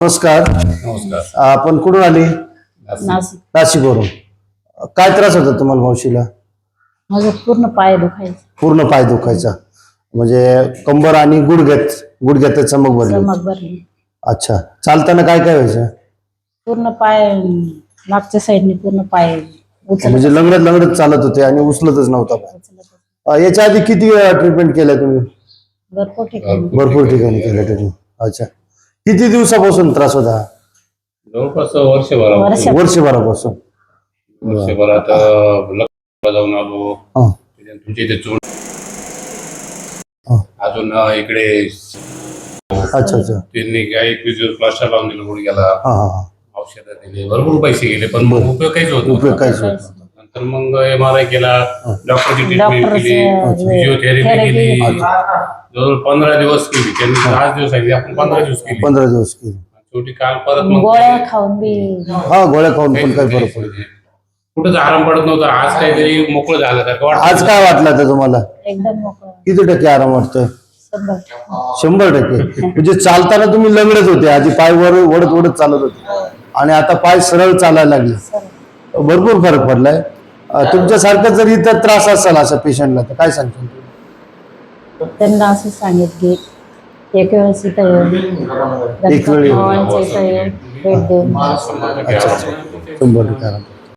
नमस्कार. नमस्कार. आपण कुठून आली? नाशिक. नाशिकवरून. काय त्रास होता तुम्हाला मावशीला? माझं पूर्ण पाय दुखायचं. पूर्ण पाय दुखायचा म्हणजे कंबर आणि गुडघ्यात चमक भरली होती. चमक भरली. अच्छा. चालताना काय काय व्हायचं? पूर्ण पाय मागच्या साईडने पूर्ण पाय म्हणजे लंगडत चालत होते आणि उचलतच नव्हता पाय. याच्या आधी किती ट्रीटमेंट केल्या तुम्ही? भरपूर ठिकाणी. भरपूर ठिकाणी केल्या ट्रीटमेंट. अच्छा. किती दिवसापासून त्रास होता? जवळपास वर्षभरापासून. वर्षभरात लग्नाला जाऊन आलो. तुमच्या इथे चोंड अजून इकडे अच्छा. त्यांनी काही प्लास्टर लावून दिलं गुडघ्याला, औषधं दिली, भरपूर पैसे गेले पण मग उपयोग काहीच होत नव्हता. नंतर मग MRI केला, डॉक्टरची ट्रीटमेंट केली, फिजिओथेरपी केली, जवळ 15 दिवस केली. त्यांनी 10 दिवस सांगितले, आपण 15 दिवस केली. शेवटी काल परत मग गोळ्या खाऊन बी गोळ्या खाऊन पण काही फरक पडत कुठंच आराम पडत नव्हता. आज काहीतरी मोकळं झाल्यासारखं वाटतं. आज काय वाटलं तर तुम्हाला? एकदम मोकळं. किती टक्के आराम वाटतोय? 100%. 100%. म्हणजे चालताना तुम्ही लंगडत होते, आधी पाय ओढत चालत होते आणि आता पाय सरळ चालायला लागले. भरपूर फरक पडलाय. तुमच्यासारखं जर इतर त्रास असेल अशा पेशंटला तर काय सांगतो? त्यांना असं सांगितले एक वेळेस इथं एक वेळी भेट देऊन 100% आराम.